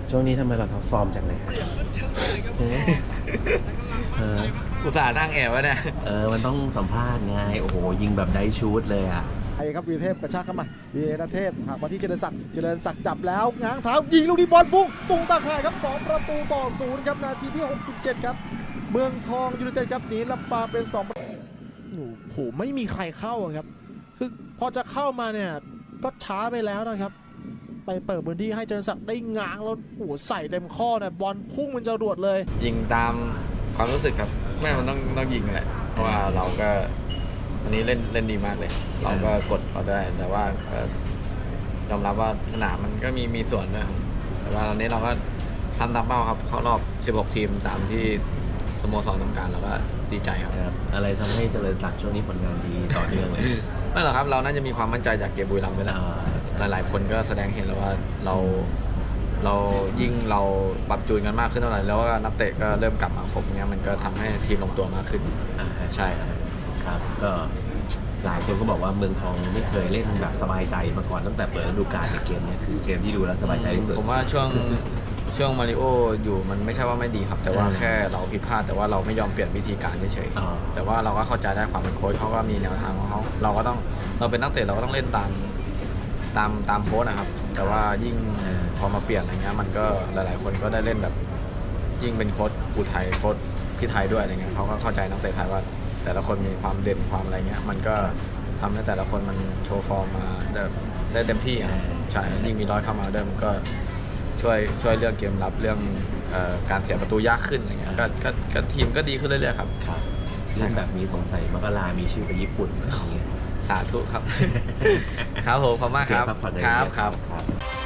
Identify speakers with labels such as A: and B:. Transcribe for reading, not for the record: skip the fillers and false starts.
A: ช่วงนี้ทำไมเราท็อปฟอร์มจังเลยครับ
B: อุตส่าห์นั่งแอบไว้เนี่ย
A: มันต้องสัมภาษณ์ไงโอ้โหยิงแบบได้ชูดเลยอ่ะ
C: ไอ้ครับวีรเทพกระชากเข้ามาวีรเทพหักมาที่เจริญศักดิ์จับแล้วง้างเท้ายิงลูกนี้บอลพุ่งตุ้งตาข่ายครับ2-0ครับนาทีที่67ครับเมืองทองยูไนเต็ดครับหนีลำปางเป็น2โอ้โหไม่มีใครเข้าครับคือพอจะเข้ามาเนี่ยก็ช้าไปแล้วนะครับไปเปิดพื้นที่ให้เจริญศักดิ์ได้ง้างแล้วโอ้โหใส่เต็มข้อเนี่ยบอลพุ่งมันจะรวดเลย
B: ยิงตามความรู้สึกครับไม่มันต้องยิงแหละเพราะว่าเราก็อันนี้เล่นดีมากเลยเราก็กดเขาได้แต่ว่ายอมรับว่าสนามมันก็มีส่วนด้วยแต่ว่าตอนนี้เราก็ทำตามเป้าครับเข้ารอบ16ทีมตามที่สโมสรต้องการเราก็ดีใจครับ
A: อะไรทำให้เจริญศักดิ์ช่วงนี้ผลงานดีต่อเนื่องเลย
B: ไม่หรอกครับเราน่าจะมีความมั่นใจจากเกมบุรีรัมย์ด้วยนะหลายๆคนก็แสดงเห็นแล้วว่าเรายิ่งเราปรับจูนกันมากขึ้นเท่าไหร่แล้วก็นักเตะก็เริ่มกลับมาครบเงี้ยมันก็ทำให้ทีมลงตัวมากขึ้นใช่
A: ครับก็หลายคนก็บอกว่าเมืองทองไม่เคยเล่นแบบสบายใจมาก่อนตั้งแต่เปิดฤดูกาลในเกมนี้คือเกมที่ดูแล้วสบายใจที่สุด
B: ผมว่าช่วงมาริโออยู่มันไม่ใช่ว่าไม่ดีครับแต่ว่าแค่เราผิดพลาดแต่ว่าเราไม่ยอมเปลี่ยนวิธีการเฉยๆแต่ว่าเราก็เข้าใจได้ความเป็นโค้ชเขาก็มีแนวทางของเขาเราก็ต้องเราเป็นนักเตะเราก็ต้องเล่นตามโค้ชนะครับแต่ว่ายิ่งพอมาเปลี่ยนอะไรเงี้ยมันก็หลายๆคนก็ได้เล่นแบบยิ่งเป็นโค้ชอุทัยโค้ชที่ไทยด้วยอะไรเงี้ยเขาก็เข้าใจนักเตะไทยว่าแต่ละคนมีความเด่นความอะไรเงี้ยมันก็ทำให้แต่ละคนมันโชว์ฟอร์มมาได้เต็มที่อ่ะใช่ยิ่งมีร้อยเข้ามาด้วยมันก็ช่วยเรื่องเกมรับเรื่องการเสียประตูยากขึ้นอะไรเงี้ยก็ทีมก็ดีขึ้นเรื่อยๆครับ
A: เล่นแบบนี้สงสัยมกรามีชื่อไปญี่ปุ่นอะไรเงี้ย
B: สาธุครับครับผมขอบมากครับครับ